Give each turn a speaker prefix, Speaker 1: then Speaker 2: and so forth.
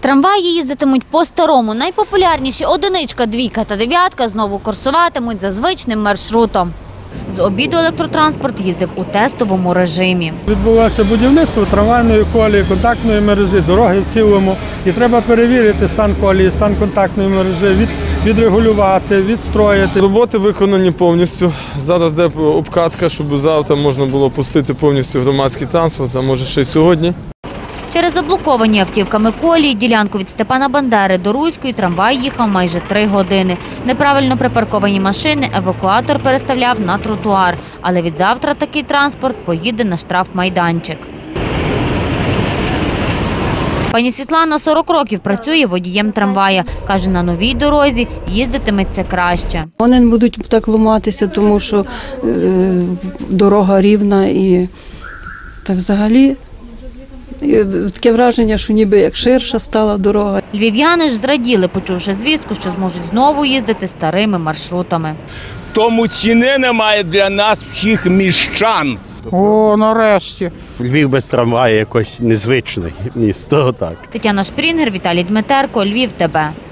Speaker 1: Трамваї їздитимуть по-старому. Найпопулярніші одиничка, двійка та дев'ятка знову курсуватимуть за звичним маршрутом. З обіду електротранспорт їздив у тестовому режимі.
Speaker 2: Відбулося будівництво трамвайної колії, контактної мережі, дороги в цілому. І треба перевірити стан колії, стан контактної мережі, відрегулювати, відстроїти.
Speaker 3: Роботи виконані повністю. Зараз йде обкатка, щоб завтра можна було пустити повністю громадський транспорт, а може ще й сьогодні.
Speaker 1: Через заблоковані автівками колії ділянку від Степана Бандери до Руської трамвай їхав майже 3 години. Неправильно припарковані машини евакуатор переставляв на тротуар. Але відзавтра такий транспорт поїде на штрафмайданчик. Пані Світлана 40 років працює водієм трамвая. Каже, на новій дорозі їздитиметься краще.
Speaker 4: Вони не будуть так ламатися, тому що дорога рівна і та взагалі таке враження, що ніби як ширша стала дорога.
Speaker 1: Львів'яни ж зраділи, почувши звістку, що зможуть знову їздити старими маршрутами.
Speaker 5: Тому ціни немає для нас всіх міщан.
Speaker 6: О, нарешті. Львів без трамваю якось незвичне місто, так.
Speaker 1: Тетяна Шпрінгер, Віталій Дмитерко, Львів ТБ.